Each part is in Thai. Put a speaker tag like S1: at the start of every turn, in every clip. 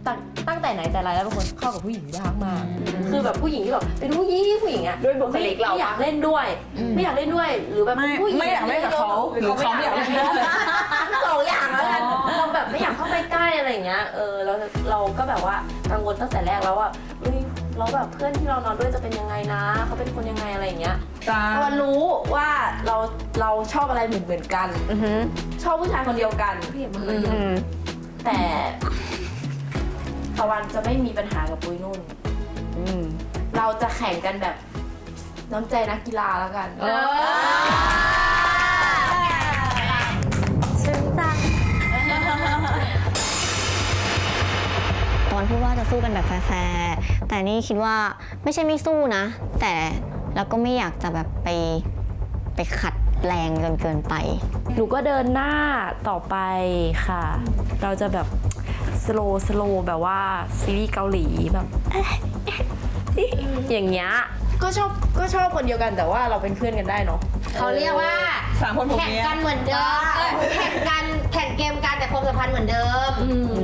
S1: ตั้งแต่ไหนแต่ไรแล้วเป็นคนเข้ากับผู้หญิงยากมากคือแบบผู้หญิงที่แบบเป็นผู้หญิงอ่ะ
S2: ด้วยบุคลิกเรา
S1: ไม่อยากเล่นด้วยไม่อยากเล่นด้วยหรือแบบผู้หญิง
S3: ไม่อยากเล่นกับเขาหรือเขาไม่อยากเล่นด้วย
S1: สองอย่างแล้วกันเราแบบไม่อยากเข้าไปใกล้อะไรอย่างเงี้ยเราก็แบบว่ากังวลตั้งแต่แรกแล้วว่าเราแบบเพื่อนที่เรานอนด้วยจะเป็นยังไงนะเขาเป็นคนยังไงอะไรอย่างเงี้ยตอนรู้ว่าเราชอบอะไรเหมือนกันชอบผู้ชายคนเดียวกันพี่เห็นมันเลยแต่ตะวันจะไม่มีปัญหากับปุ้ยนุ่นเราจะแข่งกันแบบน้ำใจนักกีฬาแล้วกัน
S4: ซึ้งจังตอนพูดว่าจะสู้กันแบบแฟร์ๆแต่นี่คิดว่าไม่ใช่ไม่สู้นะแต่เราก็ไม่อยากจะแบบไปขัดแรงจนเกินไป
S1: หนูก็เดินหน้าต่อไปค่ะเราจะแบบสโลว์แบบว่าซีรีส์เกาหลีแบบอย่างเงี้ยก็ชอบคนเดียวกันแต่ว่าเราเป็นเพื่อนกันได้เนาะ
S5: เขาเรียกว่า
S3: 3 คนผม
S5: แข่ง
S3: เนี้ย
S5: กันเหมือนเดิมแข่งเกมกันแต่ความสัมพันธ์เหมือนเดิม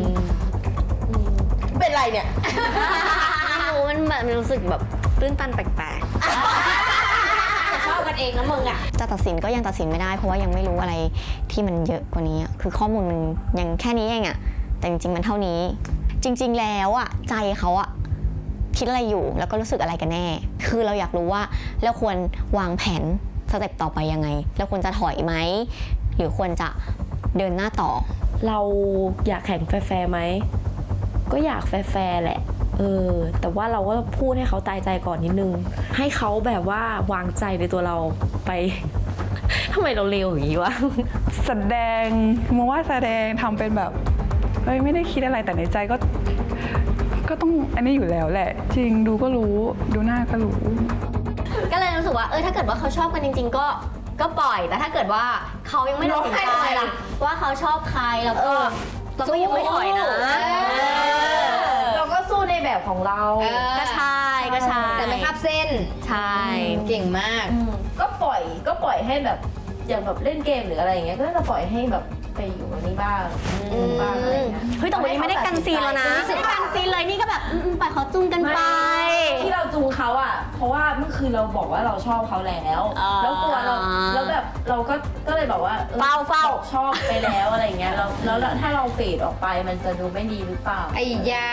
S1: เป็นไรเนี่ย
S4: ไม่รู้มันแบบรู้สึกแบบตื้นตันแปลกๆ
S5: ชอบกันเองนะมึงอ่ะ
S4: จะตัดสินก็ยังตัดสินไม่ได้เพราะว่ายังไม่รู้อะไรที่มันเยอะกว่านี้คือข้อมูลมันยังแค่นี้เองอะแต่จริงๆมันเท่านี้จริงๆแล้วอะใจเขาอะคิดอะไรอยู่แล้วก็รู้สึกอะไรกันแน่คือเราอยากรู้ว่าเราควรวางแผนสเต็ปต่อไปยังไงเราควรจะถอยไหมหรือควรจะเดินหน้าต่อ
S1: เราอยากแข่งแฟร์ไหมก็อยากแฟร์แหละแต่ว่าเราก็พูดให้เขาตายใจก่อนนิดนึงให้เขาแบบว่าวางใจในตัวเราไปทำไมเราเร็วอย่างนี้วะ
S3: แสดงมองว่าแสดงทำเป็นแบบเฮ้ยไม่ได้คิดอะไรแต่ในใจก็ต้องอันนี้อยู่แล้วแหละ จริงดูก็รู้ดูหน้าก็รู้
S4: ก็เลยรู้สึกว่าถ้าเกิดว่าเขาชอบกันจริงๆก็ปล่อยแต่ถ้าเกิดว่าเขายังไม่ตัดสินใจว่าเขาชอบใครแล้วก็เราก็ยังไม่ถอยนะ
S1: เราก็สู้ในแบบของเรา
S4: ก็ใช่
S5: แต่ไม่ข้ามเส้น
S4: ใช่
S5: เก่งมาก
S1: ก็ปล่อยให้แบบอย่างแบบเล่นเกมหรืออะไรอย่างเงี้ยก็จะปล่อยให้แบบไปอยู่กับนี่บ้างอะไรอย่างเงี้ย
S4: เฮ้ยแต่วันนี้ไม่ได้กันซีนแล้วนะไม่ได้กันซีนเลยนี่ก็แบบปล่อยเขาจุ้งกันไป
S1: ที่เราจูงเขาอ่ะเพราะว่าเมื่อคืนเราบอกว่าเราชอบเขาแล้วแล้วกลัวเราแล้วแบบเราก็เลยบอกว่า
S4: เฝ้า
S1: ชอบไปแล้วอะไรอย่างเงี้ยแล้วถ้าเราเฟดออกไปมันจะดูไม่ดีหรือเปล่า
S5: ไอ้ยา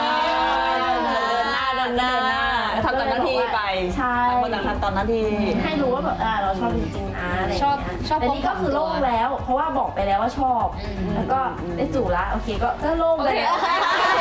S3: เดินหน้าทำตามหน้าที่ไป
S1: ใช่
S3: คนต่างทำตามหน้าที่
S1: ให้รู้ว่าแบบเราชอบจริงๆนะอะไรอย่างเงี้ย
S5: ชอบ
S1: แต่นี่ก็คือโล่งแล้วเพราะว่าบอกไปแล้วว่าชอบแล้วก็ได้จู่ละโอเคก็โล่งเลย